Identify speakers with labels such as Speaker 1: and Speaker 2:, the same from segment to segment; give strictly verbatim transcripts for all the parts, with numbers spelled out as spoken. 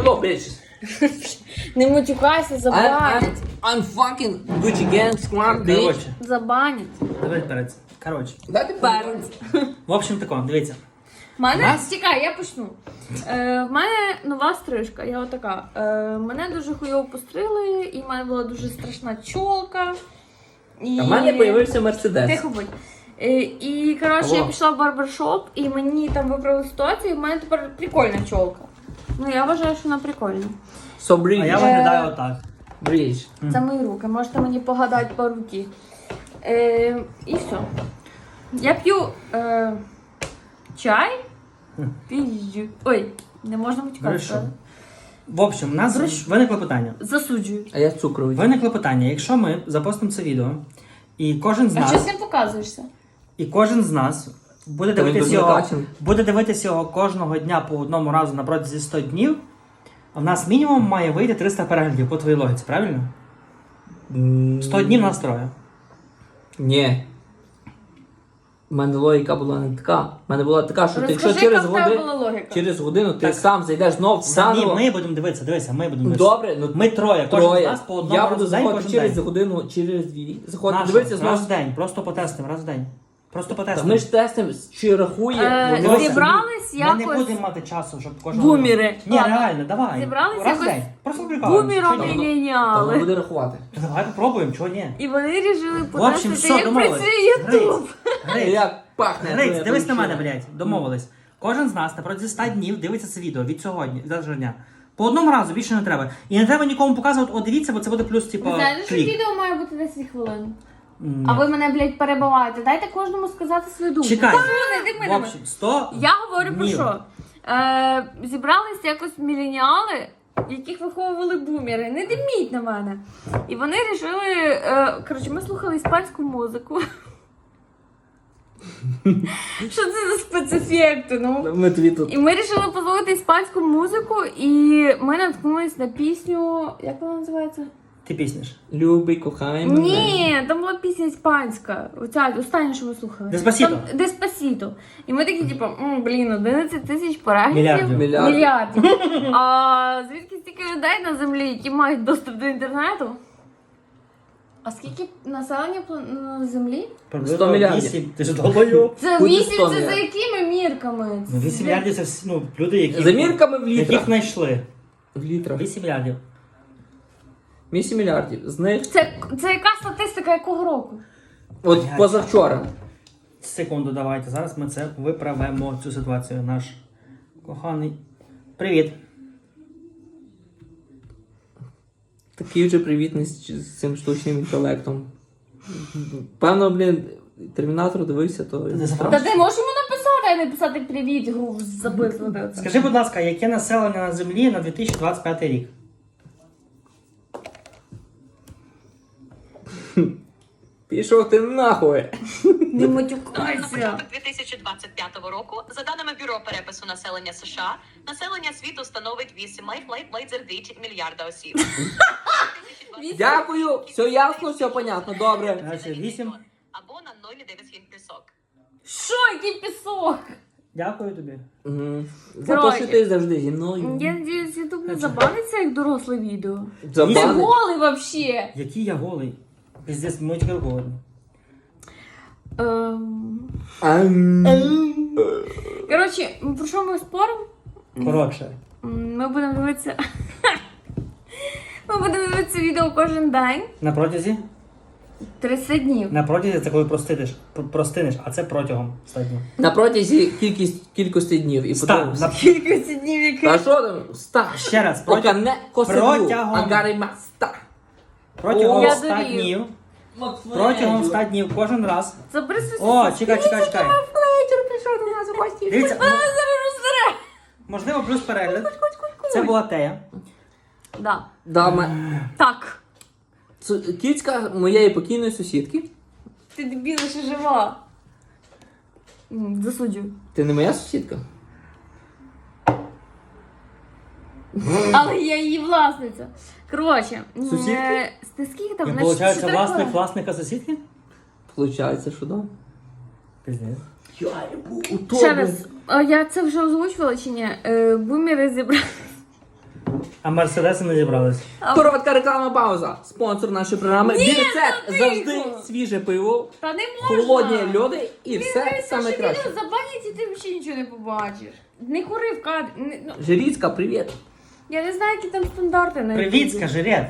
Speaker 1: go, bitches.
Speaker 2: Не матюкайся,
Speaker 1: I'm, I'm,
Speaker 2: забанять.
Speaker 1: I'm fucking Gucci Gang Squad, bitch.
Speaker 3: Коротше,
Speaker 2: Забанять.
Speaker 3: давай перець. Коротше.
Speaker 1: Дайте
Speaker 2: Перець.
Speaker 3: В общем тако, дивіться.
Speaker 2: В мене,
Speaker 3: Нас?
Speaker 2: чекай, я почну. Е, в мене нова стрижка, я отака. Е, мене дуже хуйово пострили, і в мене була дуже страшна чолка. І...
Speaker 1: А в мене появився Мерседес.
Speaker 2: Тихо будь. Е, і, коротше,
Speaker 1: Алло.
Speaker 2: я пішла в барбершоп, і мені там виправили ситуацію, і в мене тепер прикольна чолка. Ну, я вважаю, що вона прикольна.
Speaker 1: So bridge.
Speaker 3: А я виглядаю отак.
Speaker 1: Bridge.
Speaker 2: Це мої руки, можете мені погадати по руки. Е, і все. Я п'ю е, чай. Пізжу. Ой, не можна матюкати.
Speaker 3: Хорошо. В общем, у нас виникло питання.
Speaker 2: Засуджую.
Speaker 1: А я цукровий.
Speaker 3: Виникло питання, якщо ми запостимо це відео, і кожен з
Speaker 2: А чого
Speaker 3: нас,
Speaker 2: ти не показуєшся?
Speaker 3: і кожен з нас буде
Speaker 1: Та він
Speaker 3: дивитися
Speaker 1: тут
Speaker 3: його,
Speaker 1: накачаний.
Speaker 3: буде дивитися його кожного дня по одному разу на протязі сто днів, в нас мінімум має вийти триста переглядів по твоїй логіці, правильно? сто днів нас троє.
Speaker 1: Ні. У мене логіка була не така. У мене була така, що ти, якщо
Speaker 2: Розкажи,
Speaker 1: через
Speaker 2: яка в тебе
Speaker 1: годину,
Speaker 2: була логіка.
Speaker 1: через годину ти
Speaker 3: Так.
Speaker 1: сам зайдеш знов
Speaker 3: Ні,
Speaker 1: заново.
Speaker 3: ми будемо дивитися, дивися, ми будемо дивитися.
Speaker 1: Добре, ну
Speaker 3: Ми троє, кожен з
Speaker 1: троє.
Speaker 3: нас по одному
Speaker 1: Я
Speaker 3: разу
Speaker 1: буду
Speaker 3: в день,
Speaker 1: заходити
Speaker 3: кожен
Speaker 1: через
Speaker 3: день.
Speaker 1: годину, через дві. Заходити,
Speaker 3: Наша,
Speaker 1: дивитися знову.
Speaker 3: раз в день, просто потестимо, раз в день. Просто
Speaker 1: Та
Speaker 3: потестимо.
Speaker 1: ми ж тестимо, чи рахує.
Speaker 2: Е,
Speaker 1: воно
Speaker 3: Дивися,
Speaker 2: зібрались
Speaker 3: Ми не
Speaker 2: якось
Speaker 3: будемо мати часу, щоб кожного...
Speaker 2: бумери.
Speaker 3: Ні,
Speaker 2: Ладно.
Speaker 3: реально, давай.
Speaker 2: Зібрались
Speaker 3: раз в
Speaker 2: якось
Speaker 3: день. Просто прикалуємося.
Speaker 2: бумером
Speaker 3: Чого ні?
Speaker 1: Та воно
Speaker 2: мільйоняли.
Speaker 1: буде рахувати.
Speaker 3: Давай попробуємо, чого ні.
Speaker 2: І вони вирішили
Speaker 3: В общем,
Speaker 2: потестити,
Speaker 3: все,
Speaker 2: як
Speaker 3: домовились.
Speaker 2: працює Ютуб.
Speaker 3: Гриць,
Speaker 1: Як пахне.
Speaker 3: Гриць,
Speaker 1: твоя
Speaker 3: дивись на мене,
Speaker 1: причина.
Speaker 3: блядь. Домовились. Кожен з нас на протязі ста днів дивиться це відео від сьогодні, від завтрашнього дня. По одному разу, більше не треба. І не треба нікому показувати, о, дивіться, бо це буде плюс, типу,
Speaker 2: Ви знаєте, що
Speaker 3: клік.
Speaker 2: відео має бути десять хвилин?
Speaker 3: Ні.
Speaker 2: А ви мене, блядь, перебиваєте. Дайте кожному сказати свою думку.
Speaker 3: Чекай.
Speaker 2: Та, не йди
Speaker 3: В
Speaker 2: мене.
Speaker 3: общем, сто
Speaker 2: Я говорю про
Speaker 3: днів.
Speaker 2: що? Е, зібрались якось міленіали, яких виховували бумери. Не диміть на мене. І вони вирішили. Е, коротше, ми слухали іспанську музику. Що це за спецефекти? Ну?
Speaker 1: Ми тобі тут.
Speaker 2: І ми вирішили послухати іспанську музику, і ми наткнулись на пісню. Як вона називається?
Speaker 3: Ти піснеш.
Speaker 1: Любий, кохай мене.
Speaker 2: Ні, там була пісня іспанська. Оця остання, що ми слухали.
Speaker 3: Деспасіто.
Speaker 2: Там Деспасіто. І ми такі, типу, «М, блін, одинадцять тисяч переглядів.
Speaker 3: Мільярдів.
Speaker 1: Мільярдів.
Speaker 2: Мільярдів. А звідки стільки людей на землі, які мають доступ до інтернету? А скільки населення план- на землі?
Speaker 1: сто мільярдів.
Speaker 3: вісім. Ти ж долбойоб.
Speaker 2: Це
Speaker 1: Буде
Speaker 2: вісім,
Speaker 1: сто
Speaker 2: це за
Speaker 1: мільярдів.
Speaker 2: якими мірками?
Speaker 3: Ну, вісім мільярдів це всі, ну, люди, які...
Speaker 1: За мірками в
Speaker 3: Яких
Speaker 1: літрах.
Speaker 3: знайшли.
Speaker 1: В літрах.
Speaker 3: вісім мільярдів.
Speaker 1: вісім мільярдів. З них,
Speaker 2: Це, це яка статистика якого року?
Speaker 1: от
Speaker 3: Блядь.
Speaker 1: позавчора.
Speaker 3: Секунду, давайте. Зараз ми це виправимо, цю ситуацію. Наш коханий. Привіт.
Speaker 1: Такий вже привітний з з цим штучним інтелектом. Певно, блін, Термінатор дивився, то...
Speaker 3: не забрав?
Speaker 2: Та ти можеш йому написати, а не писати привіт, гру записувати.
Speaker 3: Скажи, будь ласка, яке населення на землі на дві тисячі двадцять п'ятий рік?
Speaker 1: Пішов ти нахуй!
Speaker 2: Не матюкайся.
Speaker 4: На дві тисячі двадцять п'ятого року, за даними Бюро перепису населення США, населення світу становить вісім мільярда осіб.
Speaker 1: Дякую! Все ясно, все понятно, добре.
Speaker 3: Значить, вісім.
Speaker 4: Або на нуль цілих дев'ять сотих пісок.
Speaker 2: Що, який пісок?
Speaker 3: Дякую тобі.
Speaker 1: Мгм. За те,
Speaker 2: Коротше.
Speaker 1: що ти завжди зі мною.
Speaker 2: Я надіюсь, ютуб не забаниться як доросле відео. Ти
Speaker 1: Забанить.
Speaker 2: голий вообще.
Speaker 3: Який я голий? Піздець, ми тільки голодні.
Speaker 2: Ем...
Speaker 1: Ам.
Speaker 2: Коротше, про що ми споримо?
Speaker 3: Коротше.
Speaker 2: М, Ми будемо дивитися. Ми будемо дивитися відео кожен день.
Speaker 3: На протязі?
Speaker 2: тридцять днів.
Speaker 3: На протязі це коли простидиш, пр- простинеш, а це протягом ста днів.
Speaker 1: На протязі кількість, кількості днів. І
Speaker 3: Ста.
Speaker 1: подивимося.
Speaker 3: На...
Speaker 2: Кількість днів, які...
Speaker 1: А що там? Ста.
Speaker 3: Ще раз,
Speaker 1: Поки
Speaker 3: протягом,
Speaker 1: не косиду,
Speaker 3: протягом-
Speaker 1: а гарима ста.
Speaker 3: протягом
Speaker 2: Я
Speaker 3: ста
Speaker 2: дорію.
Speaker 3: днів. Протягом ста днів кожен раз.
Speaker 2: Записуйся.
Speaker 3: О, чекай, чекай, чекай.
Speaker 2: Флейтер прийшов до нас у гості.
Speaker 3: Дивіться,
Speaker 2: Вона зараз розсере.
Speaker 3: можливо, плюс перегляд. Це була Тея.
Speaker 2: Да.
Speaker 1: Дама.
Speaker 2: Так.
Speaker 1: Цу- Кіцька моєї покійної сусідки.
Speaker 2: Ти дебіла, ще жива. М, Засуджую.
Speaker 1: Ти не моя сусідка?
Speaker 2: Але я її власниця. Коротше. м,
Speaker 3: Сусідки?
Speaker 2: е, Ти скільки там?
Speaker 3: І
Speaker 2: На
Speaker 3: виходить,
Speaker 2: чотири
Speaker 3: власник
Speaker 2: хвилини?
Speaker 3: власника сусідки?
Speaker 1: Получається, що да.
Speaker 3: Піздець.
Speaker 1: Я ебу у
Speaker 2: Ще раз, а я це вже озвучувала чи ні? Е, Бумери зібрали.
Speaker 3: А мерседеси не зібрались.
Speaker 1: Коротка рекламна пауза. Спонсор нашої програми. Бірцет.
Speaker 2: ну
Speaker 1: Завжди
Speaker 2: тихо.
Speaker 1: свіже пиво,
Speaker 2: Та не можна.
Speaker 1: холодні льоди і все
Speaker 2: Дивися,
Speaker 1: саме
Speaker 2: що
Speaker 1: краще.
Speaker 2: відео забанять, і ти взагалі нічого не побачиш. Не кури в кадрі. Не- ну,
Speaker 1: Жиріцька, привіт.
Speaker 2: я не знаю, які там стандарти на
Speaker 3: Привіт,
Speaker 2: Ютубі.
Speaker 3: скажи, Ред.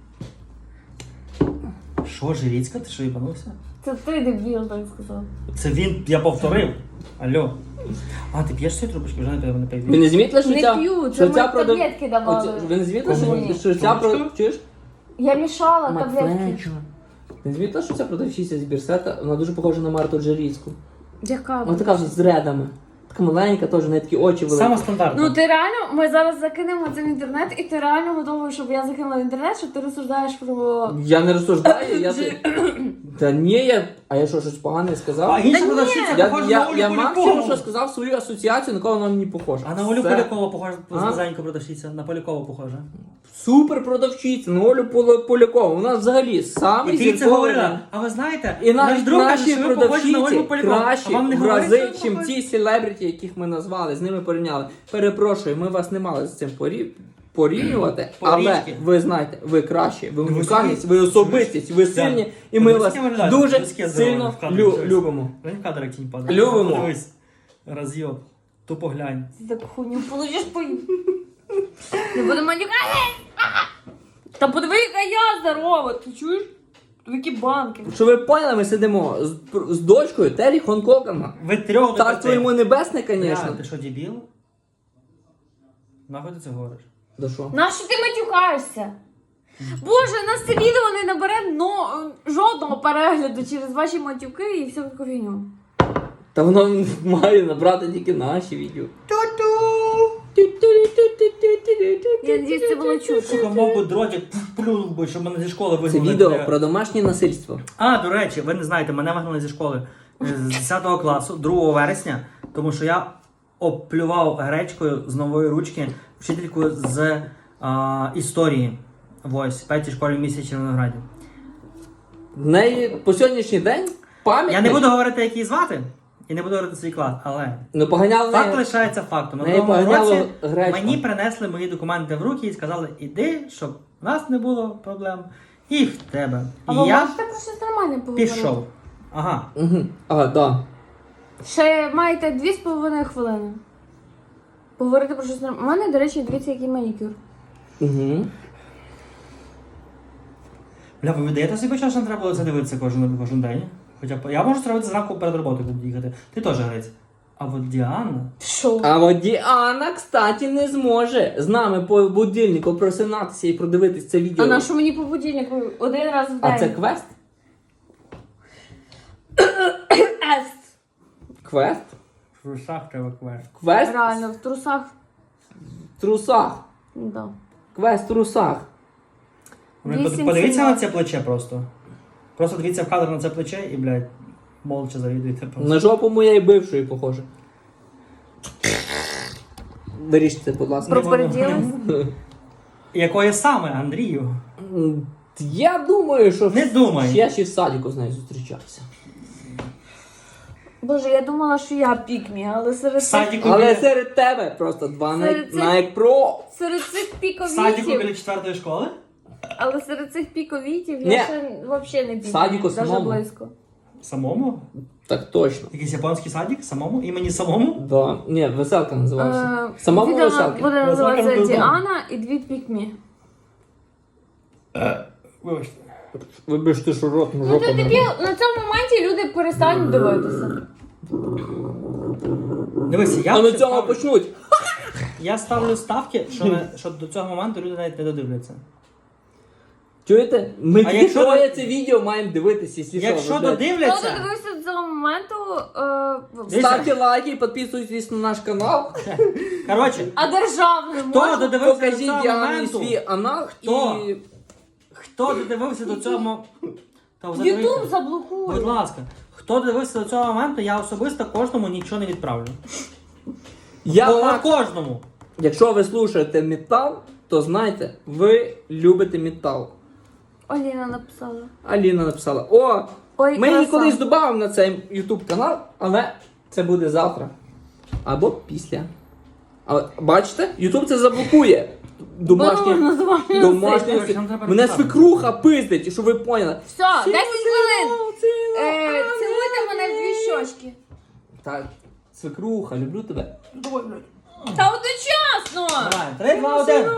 Speaker 3: Що, Жиріцька? Ти що, їбанувся?
Speaker 2: Це ти дебіл, так сказав.
Speaker 3: Це він, я повторив. Алло. А, ти п'єш ці трубочки? Вже не пив, не пив.
Speaker 1: Ви не замітили, що
Speaker 2: Не
Speaker 1: ця...
Speaker 2: п'ю, це
Speaker 1: що
Speaker 2: ми
Speaker 1: ця продав-
Speaker 2: таблетки давали.
Speaker 1: Оце- Ви не замітили,
Speaker 2: Кому?
Speaker 1: що, що ця
Speaker 3: Чому?
Speaker 1: про... Чуєш?
Speaker 2: Я мішала таблетки.
Speaker 1: Матвейчо. Ти не замітила, що ця продавщиця з Бірсета, вона дуже похожа на Марту Джеріцьку.
Speaker 2: Яка?
Speaker 1: Вона така вже з редами. Така маленька, теж, в неї такі очі великі.
Speaker 3: Саме стандартно.
Speaker 2: Ну ти реально, ми зараз закинемо це в інтернет, і ти реально готовий, щоб я закинула в інтернет, щоб ти розсуждаєш про...
Speaker 1: Я не розсуждаю, я... Та ні, я... А я що, щось погане сказав?
Speaker 3: А інша
Speaker 2: Та ні.
Speaker 3: продавщиця
Speaker 1: Я,
Speaker 3: похожа на
Speaker 1: я,
Speaker 3: Олю
Speaker 1: я
Speaker 3: Полякову.
Speaker 1: максимум, що сказав свою асоціацію, на кого вона мені похожа.
Speaker 3: А на Олю
Speaker 1: Все.
Speaker 3: Полякову похожа,
Speaker 1: А?
Speaker 3: маленька продавщиця. На Полякову похожа.
Speaker 1: Супер продавчиця, на Олю Поля- Полякову. Вона взагалі
Speaker 3: І
Speaker 1: самий
Speaker 3: ти це
Speaker 1: зірковий.
Speaker 3: говорила. А ви знаєте,
Speaker 1: І
Speaker 3: наш
Speaker 1: навіть
Speaker 3: друг каже,
Speaker 1: наші
Speaker 3: що ви похожі на Ольгу
Speaker 1: продавчиці
Speaker 3: Полякову.
Speaker 1: кращі
Speaker 3: А вам не
Speaker 1: в
Speaker 3: говорять,
Speaker 1: рази,
Speaker 3: що ви
Speaker 1: чим
Speaker 3: похожі?
Speaker 1: ті селебріті, яких ми назвали, з ними порівняли. Перепрошую, ми вас не мали з цим порів... порівнювати, але
Speaker 3: Порічки.
Speaker 1: ви знаєте, ви кращі, ви
Speaker 3: ви
Speaker 1: унікальність,
Speaker 3: скажіть,
Speaker 1: ви особистість, ви сильні,
Speaker 3: Да.
Speaker 1: і ми
Speaker 3: Ви
Speaker 1: вас
Speaker 3: скільки виглядаєте?
Speaker 1: дуже
Speaker 3: Ви скільки здорові
Speaker 1: сильно
Speaker 3: в кадрі,
Speaker 1: лю-
Speaker 3: щось?
Speaker 1: любимо.
Speaker 3: Глянь в кадр, як тінь падає.
Speaker 1: Любимо.
Speaker 3: Подивись. Роз'єб. Тупо глянь.
Speaker 2: Ти таку хуйню получиш по... Не будемо матюкати! Та подиви, яка я здорова, ти чуєш? Які банки.
Speaker 1: Щоб ви поняли, ми сидимо з, з дочкою Террі Хонкокана.
Speaker 3: Ви трьох
Speaker 1: Царство йому небесне,
Speaker 3: Бля,
Speaker 1: звісно.
Speaker 3: ти що, дебіл? Нахуй ти це говориш?
Speaker 1: Да що?
Speaker 2: Нащо ти матюкаєшся? Боже, у нас це відео не набере но, жодного перегляду через ваші матюки і всю таку фігню.
Speaker 1: Та воно має набрати тільки наші відео.
Speaker 2: Я надіюсь, це було чути.
Speaker 3: Сука, мов би дротик плюнув би, щоб мене зі школи
Speaker 1: Це
Speaker 3: вигнали.
Speaker 1: відео
Speaker 3: бля.
Speaker 1: про домашнє насильство.
Speaker 3: А, до речі, ви не знаєте, мене вигнали зі школи е, з десятого класу, другого вересня, тому що я оплював гречкою з нової ручки вчительку з а, історії. Ось, в п'ятій школі в місті Червонограді.
Speaker 1: В неї по сьогоднішній день пам'ять.
Speaker 3: Я не буду говорити, як її звати, і не буду говорити свій клас, але
Speaker 1: Ну поганяли
Speaker 3: факт
Speaker 1: неї.
Speaker 3: лишається фактом. На
Speaker 1: неї
Speaker 3: тому
Speaker 1: поганяло
Speaker 3: році
Speaker 1: гречку.
Speaker 3: мені принесли мої документи в руки і сказали, іди, щоб у нас не було проблем, і в тебе.
Speaker 2: А
Speaker 3: І
Speaker 2: ви
Speaker 3: я
Speaker 2: можете про щось нормальне поговорити?
Speaker 3: пішов. Ага.
Speaker 1: Угу. А, да.
Speaker 2: Ще маєте дві з половиною хвилини. Поговорити про щось нормальне. У мене, до речі, дивіться, який манікюр.
Speaker 1: Угу.
Speaker 3: Бля, ви видаєте собі, що нам треба було це дивитися кожен, кожен день? Хоча б я можу зробити зранку перед роботою, коли їхати. Ти теж грець. А от Діана.
Speaker 2: Що?
Speaker 1: А от Діана, кстати, не зможе з нами по будильнику просинатися і продивитись це відео.
Speaker 2: А на що мені по будильнику один раз в день?
Speaker 1: А це квест?
Speaker 2: Ест.
Speaker 1: Квест?
Speaker 3: В трусах треба квест.
Speaker 1: Квест
Speaker 2: Реально, в трусах.
Speaker 1: в трусах.
Speaker 2: Да.
Speaker 1: Квест в трусах.
Speaker 2: Вісім
Speaker 3: Подивіться на
Speaker 2: сімнадцять.
Speaker 3: це плече просто. Просто дивіться в кадр на це плече і, блядь, молча завідуйте просто.
Speaker 1: На жопу моєї бившої похоже. Виріште, будь ласка.
Speaker 2: Пропоряділась?
Speaker 3: Якої саме, Андрію?
Speaker 1: М, Я думаю, що
Speaker 3: Не думай.
Speaker 1: я ще в садіку з нею зустрічався.
Speaker 2: Боже, я думала, що я пікмі, але серед
Speaker 3: В
Speaker 2: цих,
Speaker 3: садіку
Speaker 1: Але
Speaker 3: біля,
Speaker 1: серед тебе просто два на,
Speaker 2: Серед цих-
Speaker 1: на як про.
Speaker 2: серед цих
Speaker 3: в садіку
Speaker 2: піковітів,
Speaker 3: біля четвертої школи?
Speaker 2: але серед цих піковітів
Speaker 1: Ні.
Speaker 2: я ще взагалі не пікмі.
Speaker 1: садіку
Speaker 2: Даже
Speaker 1: самому.
Speaker 2: близько.
Speaker 3: Самому?
Speaker 1: Так точно.
Speaker 3: Якийсь японський садик? Самому? Імені самому?
Speaker 1: Да. Ні, веселка називався.
Speaker 2: Е,
Speaker 1: Самому
Speaker 2: відео
Speaker 1: веселки.
Speaker 2: буде називатися
Speaker 3: Веселка
Speaker 2: Діана і дві пікмі.
Speaker 3: Вибачте.
Speaker 1: Вибачте, що рот ну,
Speaker 2: Ну
Speaker 1: жопа.
Speaker 2: ти
Speaker 1: не-
Speaker 2: тобі на цьому моменті люди перестануть дивитися.
Speaker 3: Дивися, я,
Speaker 1: А на
Speaker 3: взагалі
Speaker 1: цьому
Speaker 3: ставлю,
Speaker 1: почнуть.
Speaker 3: я ставлю ставки, що, не- що до цього моменту люди навіть не додивляться.
Speaker 1: Чуєте? Ми
Speaker 3: А
Speaker 1: тільки
Speaker 3: якщо
Speaker 1: троє
Speaker 3: ви-
Speaker 1: це відео маємо дивитися, якщо що,
Speaker 3: Якщо
Speaker 1: ви, блядь.
Speaker 2: Хто
Speaker 3: додивляться,
Speaker 2: додивився до цього моменту, е,
Speaker 3: Дивіться.
Speaker 1: Ставте лайки, підписуйтесь на наш канал.
Speaker 3: коротше,
Speaker 2: а державний
Speaker 3: хто
Speaker 2: можна?
Speaker 3: додивився до
Speaker 1: Покажіть
Speaker 3: цього
Speaker 1: Діані
Speaker 3: моменту,
Speaker 1: свій анал
Speaker 3: Хто?
Speaker 1: і...
Speaker 3: хто додивився до цього мо- Та взагалі-
Speaker 2: Ютуб
Speaker 3: Будь
Speaker 2: заблокує.
Speaker 3: ласка, хто дивився до цього моменту, я особисто кожному нічого не відправлю.
Speaker 1: Я
Speaker 3: По
Speaker 1: Макс.
Speaker 3: кожному.
Speaker 1: Якщо ви слушаєте метал, то знайте, ви любите метал.
Speaker 2: Оліна написала.
Speaker 1: Аліна написала: О,
Speaker 2: Ой,
Speaker 1: ми її
Speaker 2: краса.
Speaker 1: колись додамо на цей YouTube канал, але це буде завтра. Або після. Але бачите, YouTube це заблокує. домашнє.
Speaker 2: Бо називаємо
Speaker 1: Домашнє.
Speaker 3: Коротше, нам треба
Speaker 1: Мене
Speaker 3: розказати.
Speaker 1: свекруха пиздить, щоб ви поняли.
Speaker 2: Все, десять хвилин. Е, Цілуйте мене в дві щочки.
Speaker 1: Так, свекруха, люблю тебе.
Speaker 2: Та одночасно!
Speaker 3: Давай, три, два, один.